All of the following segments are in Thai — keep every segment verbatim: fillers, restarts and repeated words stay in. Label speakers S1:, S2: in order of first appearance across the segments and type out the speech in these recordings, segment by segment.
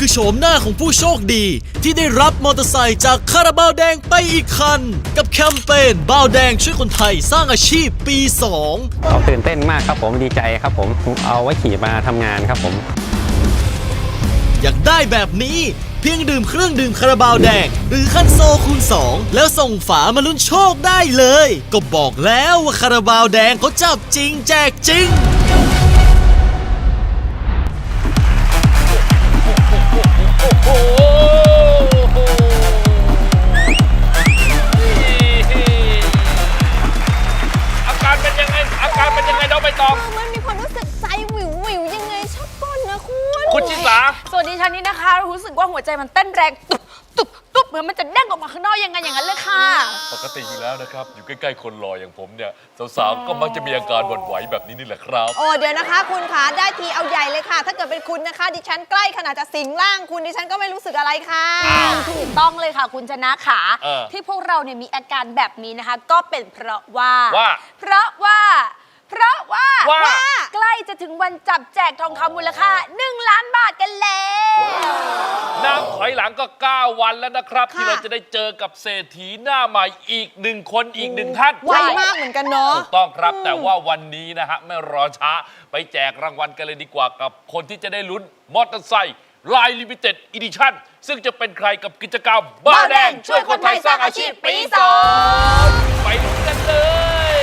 S1: คือโฉมหน้าของผู้โชคดีที่ได้รับมอเตอร์ไซค์จากคาราบาวแดงไปอีกคันกับแคมเปญบาวแดงช่วยคนไทยสร้างอาชีพปีสอง
S2: เราตื่นเต้นมากครับผมดีใจครับผมเอาไว้ขี่มาทำงานครับผม
S1: อยากได้แบบนี้เพียงดื่มเครื่องดื่มคาราบาวแดงหรือคันโซคูณสองแล้วส่งฝามาลุ้นโชคได้เลยก็บอกแล้วว่าคาราบาวแดงเขาจับจริงแจกจริง
S3: โอ้โหอาการเป็นยังไงอาการเป็นยังไงน้องใบตอง
S4: มันมีความรู้สึกใจวิววิวยังไงชอบก้นนะคุณ
S3: คุณชิสา
S4: ส่วนดิฉันนี่นะคะรู้สึกว่าหัวใจมันเต้นแรงตุบตุบตุบเหมือนมันจะเด้งออกมาข้างนอกยังไงอย่างนั้นเลยค่ะ
S3: ปกติอยู่แล้วนะครับอยู่ใกล้ๆคนรออย่างผมเนี่ยสาวๆก็มักจะมีอาการหวั่นไหวแบบนี้นี่แหละครับ
S4: โอ้เดี๋ยวนะคะคุณคะได้ทีเอาใหญ่เลยค่ะ ถ้าเกิดเป็นคุณนะคะ ดิฉันใกล้ขนาดจะสิงร่างคุณดิฉันก็ไม่รู้สึกอะไรค่ะถูกต้องเลยค่ะคุณชนะขา
S3: เออ
S4: ที่พวกเราเนี่ยมีอาการแบบนี้นะคะ ก็เป็นเพราะว่า
S3: ว่า
S4: เพราะว่า เพราะว่า
S3: ว่า
S4: ใกล้จะถึงวันจับแจกทองคำมูลค่าหนึ่งล้านบาทกันแล้ว
S3: นับถอยหลังก็เก้าวันแล้วนะครับ
S4: ค่ะ
S3: ที่เราจะได้เจอกับเศรษฐีหน้าใหม่อีกหนึ่งคนอีกหนึ่งท่าน
S4: ไวมากเหมือนกันเนาะ
S3: ถูกต้องครับแต่ว่าวันนี้นะฮะไม่รอช้าไปแจกรางวัลกันเลยดีกว่ากับคนที่จะได้ลุ้นมอเตอร์ไซค์ลายลิมิเต็ดอีดิชั่นซึ่งจะเป็นใครกับกิจกรรมบ้านแดงช่วยคนไทยสร้างอาชีพปีสองไปลุ้นกันเลย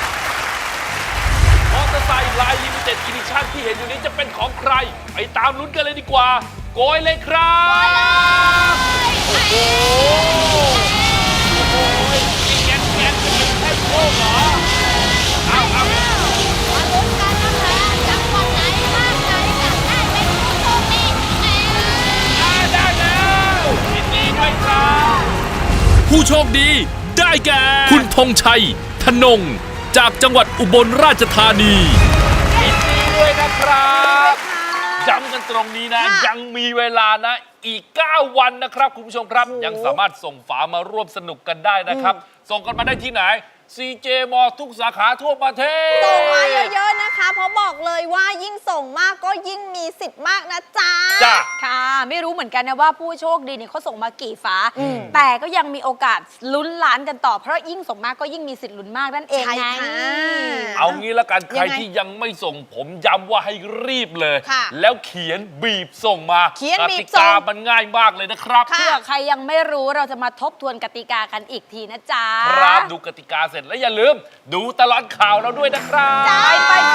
S3: มอเตอร์ไซค์ลายลิมิเต็ดอีดิชั่นที่เห็นอยู่นี้จะเป็นของใครไปตามลุ้นกันเลยดีกว่าโกยเลยครับโอ้โหโอ้โหนี่แกนแกนเป็นแค่โชคเหรอเอาเอา
S5: มาลุ้นกันนะคะจังหวัดไหนบ้านไหนจะได้เป็นผู้โชคดีแหม
S3: ได้แล้วยินดีด้วยครับ
S6: ผู้โชคดีได้แก่ คุณธงชัยธนง จากจังหวัดอุบลราชธานี
S3: ยินดีด้วยนะครับย้ำกันตรงนี้นะ
S4: ค่ะ
S3: ยังมีเวลานะอีกเก้าวันนะครับคุณผู้ชมครับ ยังสามารถส่งฝามาร่วมสนุกกันได้นะครับ ส่งกันมาได้ที่ไหน ซี เจ มอ ทุกสาขาทั่วประเทศ
S4: ส่งมาเยอะๆนะคะ เพราะบอกเลยว่ายิ่งส่งมากก็ยิ่งมีสิทธิ์มากนะจ๊ะ
S3: จ้ะ
S4: ค่ะ ไม่รู้เหมือนกันนะว่าผู้โชคดีเนี่ยเขาส่งมากี่ฝา แต่ก็ยังมีโอกาสลุ้นล้านกันต่อ เพราะยิ่งส่งมากก็ยิ่งมีสิทธิ์ลุ้นมากนั่นเอง
S5: ใช่
S4: ไง
S5: ค่ะ
S3: เอางี้ละกันใคร
S4: ยังไง
S3: ที่ยังไม่ส่งผมย้ำว่าให้รีบเลย
S4: ค่ะ
S3: แล้วเขียนบีบส่งมา
S4: เขียนบีบ
S3: กติ
S4: ส่
S3: กาง มันง่ายมากเลยนะครับ
S4: เพื่อใครยังไม่รู้เราจะมาทบทวนกติกากันอีกทีนะจ๊ะ
S3: ครับดูกติกาเสร็จแล้วอย่าลืม ดูตลอดข่าวเราด้วยนะครับ
S4: ไปไปไป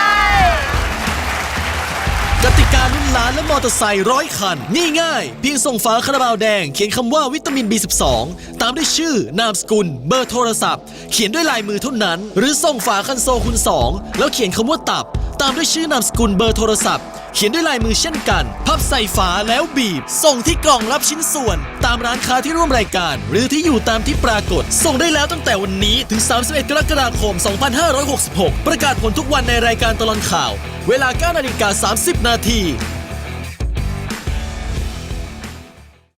S1: กติกาลุ้นล้านและมอเตอร์ไซค์ร้อยคันนี่ง่ายเพียงส่งฝาคาราบาวแดงเขียนคำว่าวิตามิน บี สิบสอง ตามด้วยชื่อนามสกุล เบอร์โทรศัพท์ เขียนด้วยลายมือเท่านั้น หรือส่งฝาคันโซคูณสองแล้วเขียนคำว่าตับ ตามด้วยชื่อนามสกุลเบอร์โทรศัพท์เขียนด้วยลายมือเช่นกัน พับใส่ฝาแล้วบีบ ส่งที่กล่องรับชิ้นส่วน ตามร้านค้าที่ร่วมรายการ หรือที่อยู่ตามที่ปรากฏ ส่งได้แล้วตั้งแต่วันนี้ถึง สามสิบเอ็ด กรกฎาคม สองพันห้าร้อยหกสิบหก ประกาศผลทุกวันในรายการตลอดข่าว เวลา เก้านาฬิกาสามสิบนาที